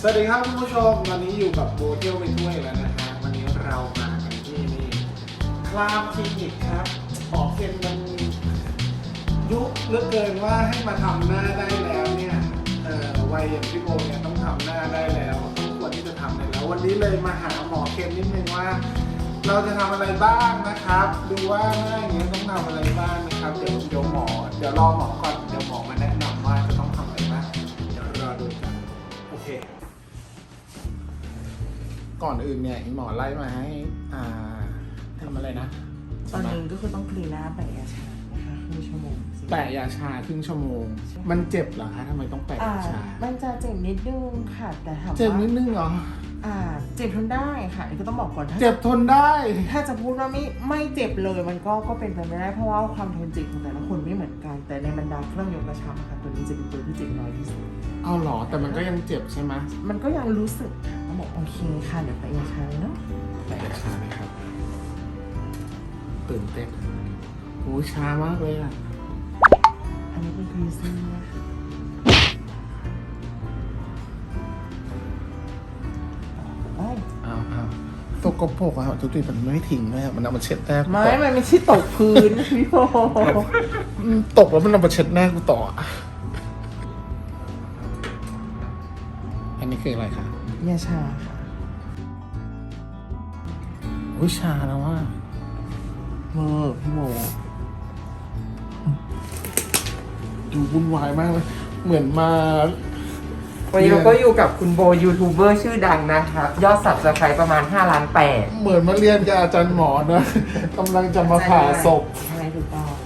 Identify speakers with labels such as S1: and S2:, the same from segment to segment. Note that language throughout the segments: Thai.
S1: สวัสดีครับคุณผู้ชมวันนี้อยู่กับโบเที่ยวไปด้วยแล้วนะฮะวันนี้เรามากันที่นี่คลามคลินิกครับหมอเคนมันยุเหลือเกินว่าให้มาทำหน้าได้แล้วเนี่ยวัยอย่างพี่โบเนี่ยต้องทำหน้าได้แล้วต้องควรที่จะทำได้แล้ววันนี้เลยมาหาหมอเคนนิดนึงว่า เราจะทำอะไรบ้างนะครับดูว่าหน้าอย่างเงี้ยต้องทำอะไรบ้างนะครับเดี๋ยวรอหมอก่อนเดี๋ยวหมอมาแนะนำว่าจะต้องทำอะไรบ้างเดี๋ยวรอดูกันโอเคก่อนอื่นเนี่ยหมอไล่มาให้ทำอะไรนะ
S2: ตอนนี้ก็คือต้องคลีนหน้าแปะยาชานะคะครึ่งชั่วโมง
S1: แปะยาชาครึ่งชั่วโมงมันเจ็บเหรอคะทำไมต้องแปะยาชา
S2: มันจะเจ็บนิดนึงค่ะแต่ถามว่า
S1: เจ็บนิดนึงเหรอ
S2: เจ็บทนได้ค่ะก็ต้องบอกก่อน
S1: เจ็บทนได้
S2: ถ้าจะพูดว่าไม่เจ็บเลยมันก็เป็นไปไม่ได้เพราะว่าความทนเจ็บของแต่ละคนไม่เหมือนกันแต่ในบรรดาเครื่องยกกระชับค่ะตัวนี้จะเป็นตัวที่เจ็บน้อยที่สุด
S1: เอาหรอแต่มันก็ยังเจ็บใช่ไหม
S2: มันก็ยังรู้สึกค่ะต้องบอกโอเคค่ะเดี๋ยวแปะยาชาเนาะ
S1: แปะยาชาเลยครับตื่นเต้นโอ้ช้ามากเลยอ่ะ
S2: อันนี้เป็นครีซี่นะคะ
S1: เอาตกกระปกอะทุกทีมันไม่ทิ้งเลยมันเอามาเช็ดหน้า
S2: มันไม่ใช่ตกพื้นพี่โบ
S1: ตกแล้วมันเอามาเช็ดหน้ากูต่ออันนี้คืออะไรคะ
S2: ยาชาค่ะ
S1: อุ้ยชาแล้วว่า
S2: พี่โม
S1: ดูวุ่นวายมากเลยเหมือนมา
S2: วันนี้เราก็อยู่กับคุณโบยูทูบเบอร์ชื่อดังนะครับยอด Subscribe ประมาณ5.8 ล้าน
S1: เหมือนมาเรียนกับอาจารย์หมอนะกำลังจะมาผ่าศพ
S2: ใช่ถูก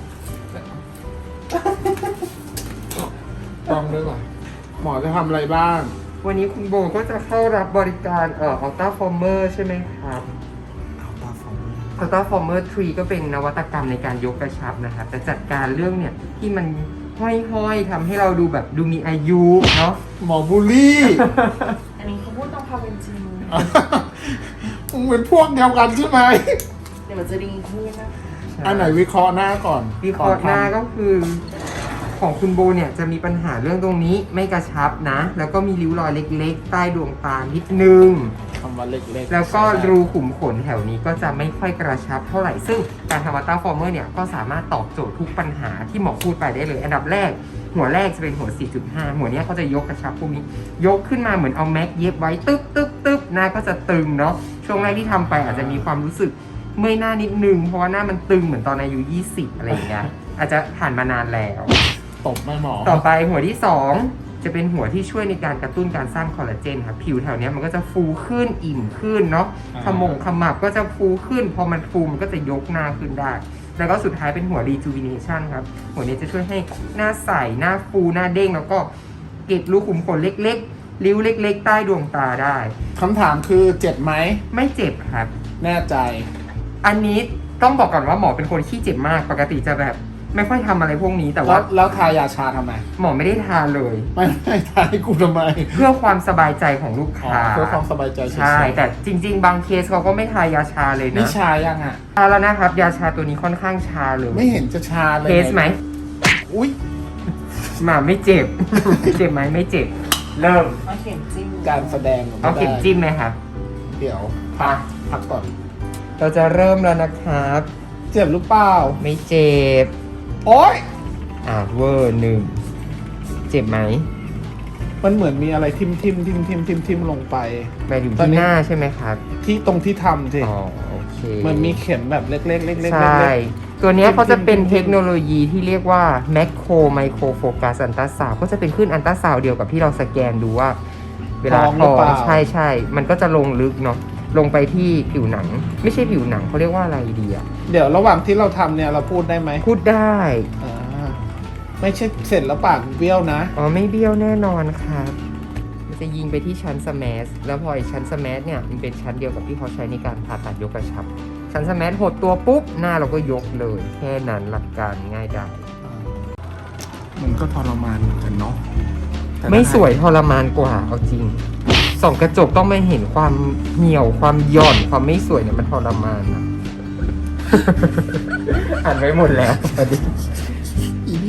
S1: ต้องด้วยว่ะหมอจะทำอะไรบ้าง
S2: วันนี้คุณโบก็จะเข้ารับบริการอัลต้าฟอร์เมอร์ใช่ไหมครับอัลต้าฟอร์เมอร์ 3 ก็เป็นนวัตกรรมในการยกกระชับนะครับแต่จัดการเรื่องเนี่ยที่มันห้อยๆทำให้เราดูมีอายุเนาะ
S1: หมอบูลลี่
S2: อันนี้เขาพูดตามความเป็นจริง
S1: มึงเป็นพวกเดียวกันใช่ไหม
S2: เดี๋ยวมันจะดีขึ้นนะคะ
S1: อันไหนวิเคราะห์หน้าก่อน
S2: วิเคราะห์หน้าก็คือของคุณโบเนี่ยจะมีปัญหาเรื่องตรงนี้ไม่กระชับนะแล้วก็มีริ้วรอยเล็กๆใต้ดวงตานิดนึง
S1: คำว่าเล็กๆ
S2: แล้วก็รูขุมขนแถวนี้ก็จะไม่ค่อยกระชับเท่าไหร่ซึ่งการทำอัลต้าฟอร์เมอร์เนี่ยก็สามารถตอบโจทย์ทุกปัญหาที่หมอพูดไปได้เลยอันดับแรกหัวแรกจะเป็นหัว 4.5 หัวนี้เขาจะยกกระชับพวกนี้ยกขึ้นมาเหมือนเอาแม็กเย็บไว้ตึ๊บหน้าก็จะตึงเนาะช่วงแรกที่ทำไปอาจจะมีความรู้สึกเมื่อยหน้านิดนึงเพราะว่าหน้ามันตึงเหมือนตอนอายุ20อะไรอย่างเงี้ยอาจจะผ่านมานานแล้ว
S1: ตบไม่หมอ
S2: ต่อไปหัวที่2จะเป็นหัวที่ช่วยในการกระตุ้นการสร้างคอลลาเจนครับผิวแถวนี้มันก็จะฟูขึ้นอิ่มขึ้นเนาะขมับก็จะฟูขึ้นพอมันฟูมันก็จะยกหน้าขึ้นได้แล้วก็สุดท้ายเป็นหัว rejuvenation ครับหัวนี้จะช่วยให้หน้าใสหน้าฟูหน้าเด้งแล้วก็เก็บรูขุมขนเล็กๆริ้วเล็กๆใต้ดวงตาได้
S1: คำถามคือเจ็บไหม
S2: ไม่เจ็บครับ
S1: แน่ใจ
S2: อันนี้ต้องบอกก่อนว่าหมอเป็นคนขี้เจ็บมากปกติจะแบบไม่ค่อยทำอะไรพวกนี้แต่ว่า
S1: แล้วทายาชาทำไม
S2: หมอไม่ได้ทาเลย
S1: ไม่ทาให้กูทำไม
S2: เพื่อความสบายใจของลูกค้า
S1: เพื่อความสบายใจ
S2: ใช่แต่จริงๆบางเคสเขาก็ไม่ทายาชาเลยนะ
S1: นี่ชายังอ่ะ
S2: ทาแล้วนะครับยาชาตัวนี้ค่อนข้างชาเลย
S1: ไม่เห็นจะชาเลย
S2: เคสไหม
S1: อุ้ย
S2: มาไม่เจ็บ เจ็บไหมไม่เจ็บเริ่มเอาเข็มจิ้ม
S1: การแสดง
S2: เอาเข็มจิ้มไหมครับ
S1: เดี๋ยวพักก่อน
S2: เราจะเริ่มแล้วนะครับ
S1: เจ็บหรือเปล่า
S2: ไม่เจ็บ
S1: โอ๊ย
S2: เวอร์1เจ็บไหม
S1: มันเหมือนมีอะไรทิ่มลงไป
S2: ไปถึงที่หน้าใช่ไหมครับ
S1: ที่ตรงที่ทำสิ
S2: อ๋อโอเค
S1: มันมีเข็มแบบเล็กๆ
S2: ใช่ตัวนี้เขาจะเป็นเทคโนโลยีที่เรียกว่า Macro Micro Focus Ultrasound ก็จะเป็นคลื่นอัลตราซาวด์เดียวกับที่เราสแกนดูว่าเวลาท้องใช่มันก็จะลงลึกเนาะลงไปที่ผิวหนังไม่ใช่ผิวหนังเขาเรียกว่าอะไรดีอะ
S1: เดี๋ยวระหว่างที่เราทำเนี่ยเราพูดได้ไหม
S2: พูดได้
S1: ไม่ใช่เสร็จแล้วปากเบี้ยวนะ
S2: ไม่เบี้ยวแน่นอนครับมันจะยิงไปที่ชั้นสแมสแล้วพอชั้นสแมสเนี่ยมันเป็นชั้นเดียวกับที่เขาใช้ในการผ่าตัดยกกระชับชั้นสแมสหดตัวปุ๊บหน้าเราก็ยกเลยแค่นั้นหลักการง่ายดาย
S1: มันก็ทรมานเหมือนกันเนาะ
S2: ไม่สวยทรมานกว่าเอาจริงส่องกระจกต้องไม่เห็นความเหี่ยวความหย่อนความไม่สวยเนี่ยมันทรมานนะอ่านไว้หมดแล้ว
S1: อีนี่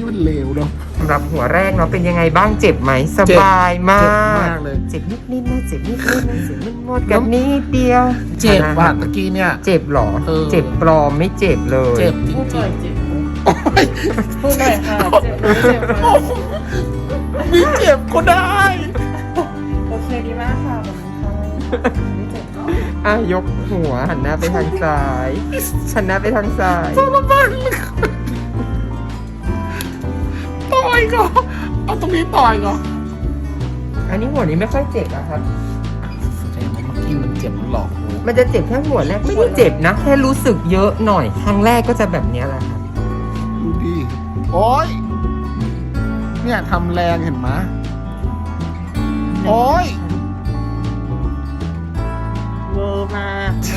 S1: มันเลวเนาะ
S2: สำหรับหัวแรกเนาะเป็นยังไงบ้างเจ็บไหมสบายมาก
S1: เจ็บมากเลย
S2: เจ็บนิดๆนะเจ็บนิดๆนะเจ็บนิดหมดกับนิดเดียว
S1: เจ็บว่ะตะกี้เนี่ย
S2: เจ็บเหรอ
S1: เออ
S2: เจ็บปลอมไม่เจ็บเลย
S1: เจ็บจ
S3: พูดห
S1: ริ
S3: น่อง ยเจ็บพูดหน่อยค่ะเจ็บไหมเจ็บไหม
S1: ๆมีเจ็บก็ได้
S3: โอเคดีมากค่ะขอบคุณค่ะไม่เจ็บเนาะ
S2: อ่ะยกหัวหันหน้าไปทางซ้ายหันหน้าไปทางซ้าย
S1: ทรมานเลยต่อยก่อนเอาตรงนี้ต่อยก่อน
S2: อันนี้หัวนี้ไม่ค่อยเจ็บอะครับ
S1: แสดงว่าเมื่อกี้มันเจ็บมันหลอกกู
S2: มันจะเจ็บแค่หัวแรกไม่ได้เจ็บนะแค่รู้สึกเยอะหน่อยครั้งแรกก็จะแบบเนี้ยแหละครับ
S1: ดูดิโอ๊ยเนี่ยทำแรงเห็นไหมโอ๊ย
S3: เวอร์มากแม่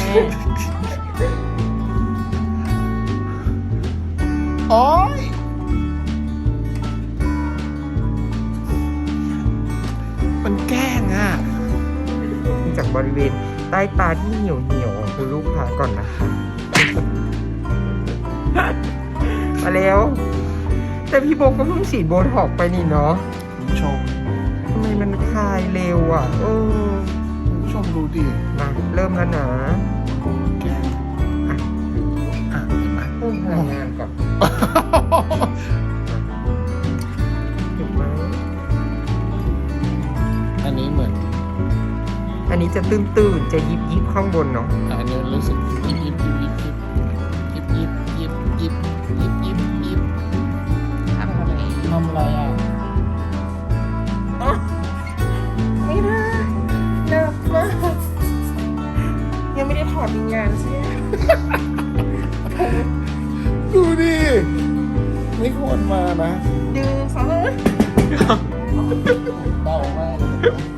S1: โอ๊ยมันแกล้งอ่ะ
S2: จากบริเวณใต้ตาที่เหี่ยวๆของคุณลูกค้าก่อนนะคะมาแล้ว แต่พี่โบก็เพิ่งฉีดโบท็อกซ์ไปนี่เนาะ
S1: คุณผู้ชม
S2: ทำไมมันคลายเร็วอ่ะ
S1: คุณผู้ชมดูดิ
S2: มาเริ่มแล้วนะ
S1: แกล้งอ่ะเห็นไหม
S2: เพิ่มพลังงานก่อนเห็นไหม
S1: อันนี้เหมือน
S2: อันนี้จะตื้นๆจะยิบๆข้างบนเนาะ
S1: อันนี้รู้สึกยิบยิบยิบยิบยิบยิบยิบยิบยิบยิบยิบ
S3: ทำอะไร
S1: ทำอะไรอ่ะ
S3: ไม่ได้หนักมากยังไม่ได้ถอดวิญญาณใช่ไหม
S1: ดูดิไม่ควรมานะ
S3: ดึงซะเลย
S1: เบามากเลย